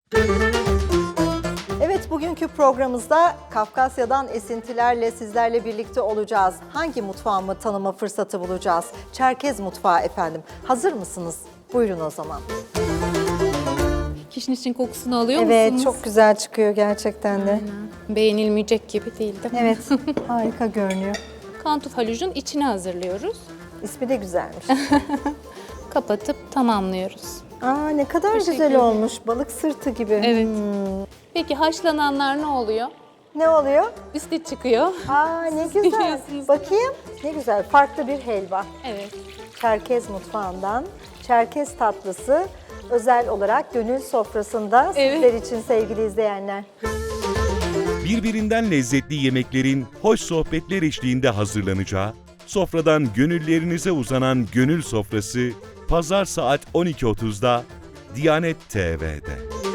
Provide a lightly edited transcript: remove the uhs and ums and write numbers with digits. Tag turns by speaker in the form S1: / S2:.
S1: Evet, bugünkü programımızda Kafkasya'dan esintilerle sizlerle birlikte olacağız. Hangi mutfağımı tanıma fırsatı bulacağız? Çerkez mutfağı efendim. Hazır mısınız? Buyurun o zaman.
S2: Kişnişin kokusunu alıyor
S1: Evet,
S2: musunuz?
S1: çok güzel çıkıyor gerçekten de.
S2: Beğenilmeyecek gibi değil mi?
S1: Evet, harika görünüyor.
S2: Kantuf halucun içini hazırlıyoruz.
S1: İsmi de güzelmiş.
S2: Kapatıp tamamlıyoruz.
S1: Aa, ne kadar güzel
S2: Teşekkür
S1: olmuş. Balık sırtı gibi.
S2: Evet. Peki haşlananlar ne oluyor?
S1: Ne oluyor?
S2: Üstü çıkıyor.
S1: Aa, ne güzel.
S2: biliyorsunuz.
S1: Bakayım. Ne güzel. Farklı bir helva.
S2: Evet.
S1: Çerkez mutfağından Çerkez tatlısı özel olarak gönül sofrasında sizler için sevgili izleyenler.
S3: Birbirinden lezzetli yemeklerin hoş sohbetler eşliğinde hazırlanacağı, sofradan gönüllerinize uzanan Gönül Sofrası, Pazar saat 12.30'da Diyanet TV'de.